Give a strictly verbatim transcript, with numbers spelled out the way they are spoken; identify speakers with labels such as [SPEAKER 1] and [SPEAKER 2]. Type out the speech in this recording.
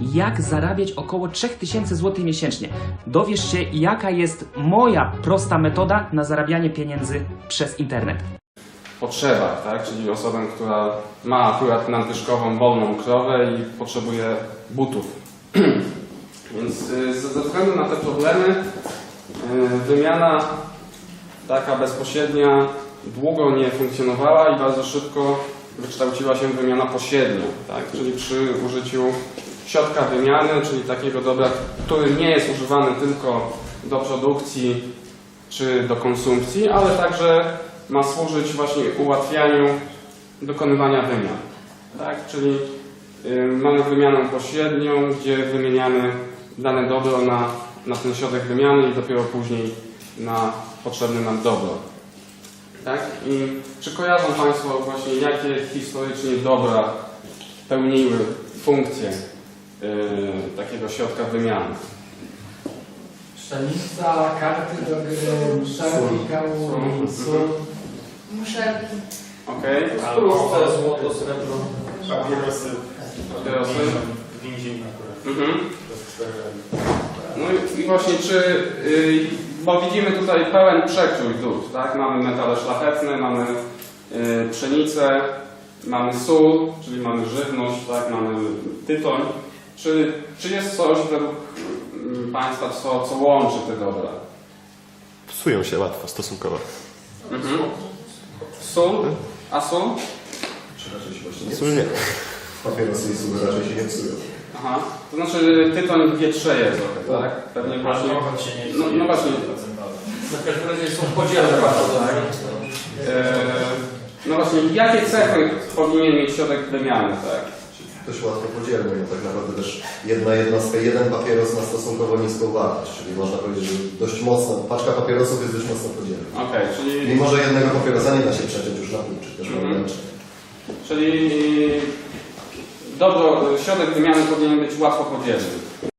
[SPEAKER 1] jak zarabiać około trzy tysiące złotych miesięcznie. Dowiesz się, jaka jest moja prosta metoda na zarabianie pieniędzy przez internet.
[SPEAKER 2] Potrzebach, tak? Czyli osobę, która ma akurat nadwyżkową, wolną krowę i potrzebuje butów. Więc y, ze względu na te problemy y, wymiana taka bezpośrednia długo nie funkcjonowała i bardzo szybko wykształciła się wymiana pośrednia, tak? Czyli przy użyciu środka wymiany, czyli takiego dobra, który nie jest używany tylko do produkcji czy do konsumpcji, ale także ma służyć właśnie ułatwianiu dokonywania wymian. Tak? Czyli y, mamy wymianę pośrednią, gdzie wymieniamy dane dobro na, na ten środek wymiany i dopiero później na potrzebne nam dobro. Tak? I czy kojarzą Państwo właśnie, jakie historycznie dobra pełniły funkcję y, takiego środka wymiany?
[SPEAKER 3] Pszenica, karty do gry, muszelki, kaługi, sól.
[SPEAKER 4] Muszelki.
[SPEAKER 2] Okej.
[SPEAKER 5] Alkohol, złoto, srebro,
[SPEAKER 2] Papierosy. Papierosy.
[SPEAKER 5] Więzień akurat.
[SPEAKER 2] Mhm. No i, i właśnie czy, yy, bo widzimy tutaj pełen przekrój dóbr, tak? Mamy metale szlachetne, mamy yy, pszenicę, mamy sól, czyli mamy żywność, tak? Mamy tytoń. Czy, czy jest coś według yy, Państwa, co, co łączy te dobra?
[SPEAKER 6] Psują się łatwo stosunkowo.
[SPEAKER 2] Mhm. Sól? A sól?
[SPEAKER 7] Czy raczej się właśnie nie
[SPEAKER 6] Sól nie.
[SPEAKER 7] Papierosy i sól raczej się nie psują.
[SPEAKER 2] Aha. To znaczy tytoń wietrzeje trochę, tak? Pewnie właśnie.
[SPEAKER 5] Alkohol się nie
[SPEAKER 2] No, no właśnie.
[SPEAKER 5] Na każdym razie są podzielne bardzo, tak?
[SPEAKER 2] Eee, no właśnie, jakie cechy powinien mieć środek wymiany, tak?
[SPEAKER 7] Dość łatwo podzielny, no tak naprawdę też jedna jednostka, jeden papieros ma stosunkowo niską wartość, czyli można powiedzieć, że dość mocno, paczka papierosów jest dość mocno podzielna.
[SPEAKER 2] Okej, okay, czyli...
[SPEAKER 7] Mimo, że jednego papierosa nie da się przeciąć już na pół, czy też
[SPEAKER 2] Mhm.
[SPEAKER 7] wręcz.
[SPEAKER 2] Czyli dobro, środek wymiany powinien być łatwo podzielny.